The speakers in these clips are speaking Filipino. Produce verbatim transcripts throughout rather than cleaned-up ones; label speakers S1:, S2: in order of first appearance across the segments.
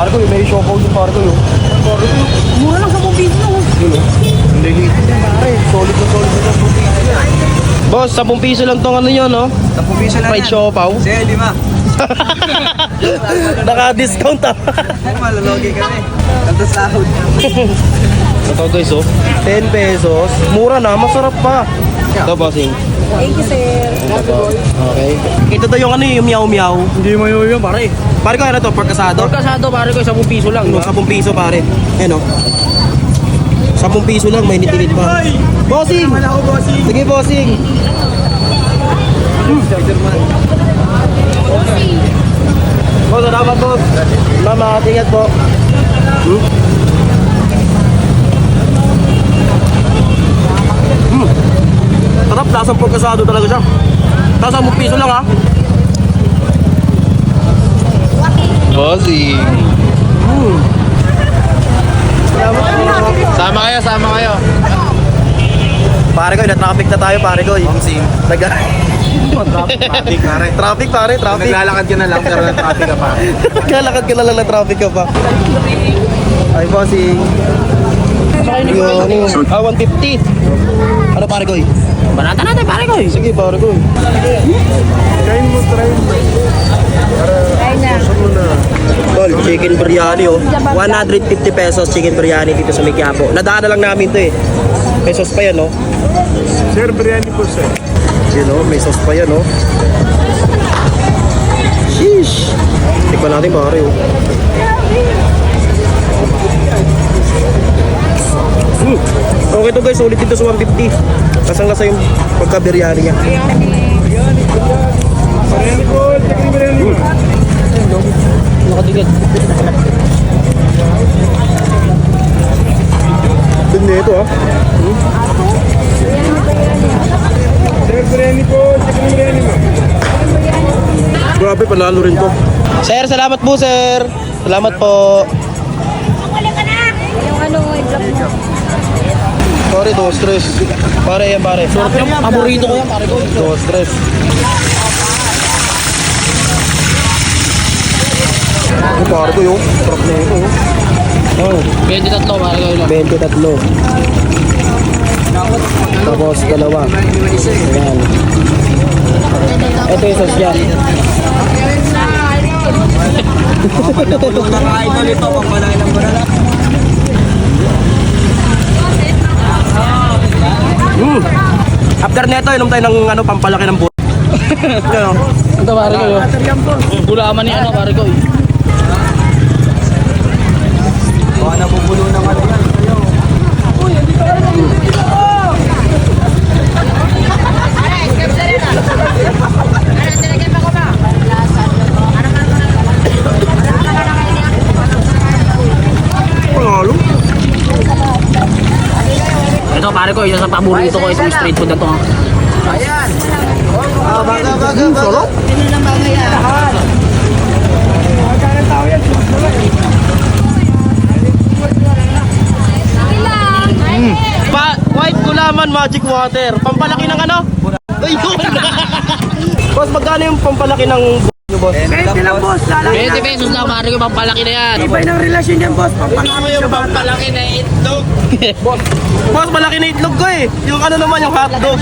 S1: Pare ko, may siopaw yung pare ko yun. Pare ko, mura lang sa piso. Yun o. Hindi hit. Pare, solid na solid na sa piso. Boss, ten piso lang tong ano yun, no?
S2: ten piso lang
S1: Fried
S2: yan.
S1: siopaw.
S2: Sige, lima.
S1: Naka-discount ah.
S2: Ay, malalogi kami. Kanto sahod.
S1: Ito guys, oh. ten pesos. Mura na, masarap pa. Ito, bossing.
S3: Thank you, sir.
S1: Okay. Ito to yung ano yung meow-meow.
S2: Hindi mo yun, pare.
S1: Pare ko, ano to? Pork asado?
S2: Pork asado, pare ko, ten piso lang.
S1: Ano, ten piso pare. Ano? ten piso lang, may nitinit pa. Bossing!
S2: Wala ko, bossing.
S1: Sige, bossing. Boss, salamat boss. Salamat, ingat po. Hmm? Hmm. Sarap, lasang pork asado talaga siya. Tapos ten piso lang ha.
S4: Bossing.
S1: Hmm. Salamat po.
S4: Sama kayo, sama kayo.
S1: Pare ko, na-traffic na tayo pare ko.
S4: Bossing.
S1: Nag
S4: Traffic, pare.
S1: traffic pare, traffic.
S4: Naglalakad ka na lang, pero traffic ka pa.
S1: Kalakad ka na lang na traffic ka pa. Ay, bossing. Yun. Ah, one fifty. Ano pare ko?
S2: Banata natin, pare ko.
S1: Sige, pare ko.
S2: Kain mo, try mo.
S3: Ay na.
S1: Tol, chicken biryani oh. one fifty pesos chicken biryani dito sa Quiapo. Nadaan na lang namin to eh. May sauce pa yan oh.
S2: Sir, biryani po, sir.
S1: Yun oh, may sauce pa yan oh. Sheesh. Tikman natin pare oh. Hmm. Okay to guys, ulit dito sa one fifty. Kasang lasa yung pagka-biryani niya.
S2: Biryani po, chicken biryani po.
S1: Nakatigil. Tignan ito ah. Hmm?
S2: Sir, biryani po, chicken biryani po.
S1: Grabe, panalo rin to. Sir, salamat po sir. Salamat po.
S3: Yung ano, i-vlog mo.
S1: Pare, dos stress. Pare yan pare. Paborito ko yan pare ko. Dos stress. Ano pare ko yun? Sarap na ito. Oh.
S2: twenty-three, pare ko.
S1: twenty-three. Tapos dalawa. Ayan. Ito yung sauce yan.
S2: Napulong na kain na nito, pagmalaki ng barala.
S1: Mm. After neto, inom tayo ng ano, pampalaki ng buhay. Ano?
S2: Ito, pare ko. Gulaman ni ano, pare ko. Baka nabubulo ng ano yan.
S1: Panalo.
S2: Ito, pare ko, isa sa paborito ko itong street food na to. Ayan.
S1: Ah, baga, baga, baga.
S3: Ano lang ba yan?
S1: Mm. Pa white gulaman magic water. Pampalaki ng ano? Ayun. Boss, magkano yung pampalaki ng nyo, boss?
S2: twenty lang, boss. twenty pesos lang, pare ko, pampalaki na yan.
S1: Ibay ng relasyon yan, boss. Pampalaki yung
S2: Pampalaki na itlog.
S1: boss. Boss, malaki na itlog ko eh. Yung ano naman, yung hotdog.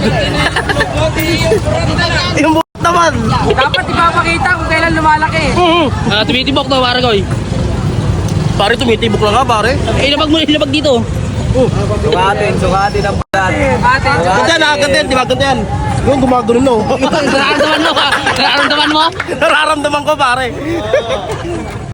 S1: Yung buhat naman.
S2: Dapat ipapakita kung kailan lumalaki.
S1: Mm.
S2: Ah, tumitibok to, pare ko.
S1: Pare, tumitibok lang nga, pare.
S2: Eh, ilabag mo, ilabag dito.
S4: Sukatin, sukatin ang balat.
S2: Ate,
S1: Ganda na, ganda yan, di ba? Ganda yan. Yung gumagano no.
S2: nararamdaman mo ka? Nararamdaman mo?
S1: Nararamdaman ko, pare.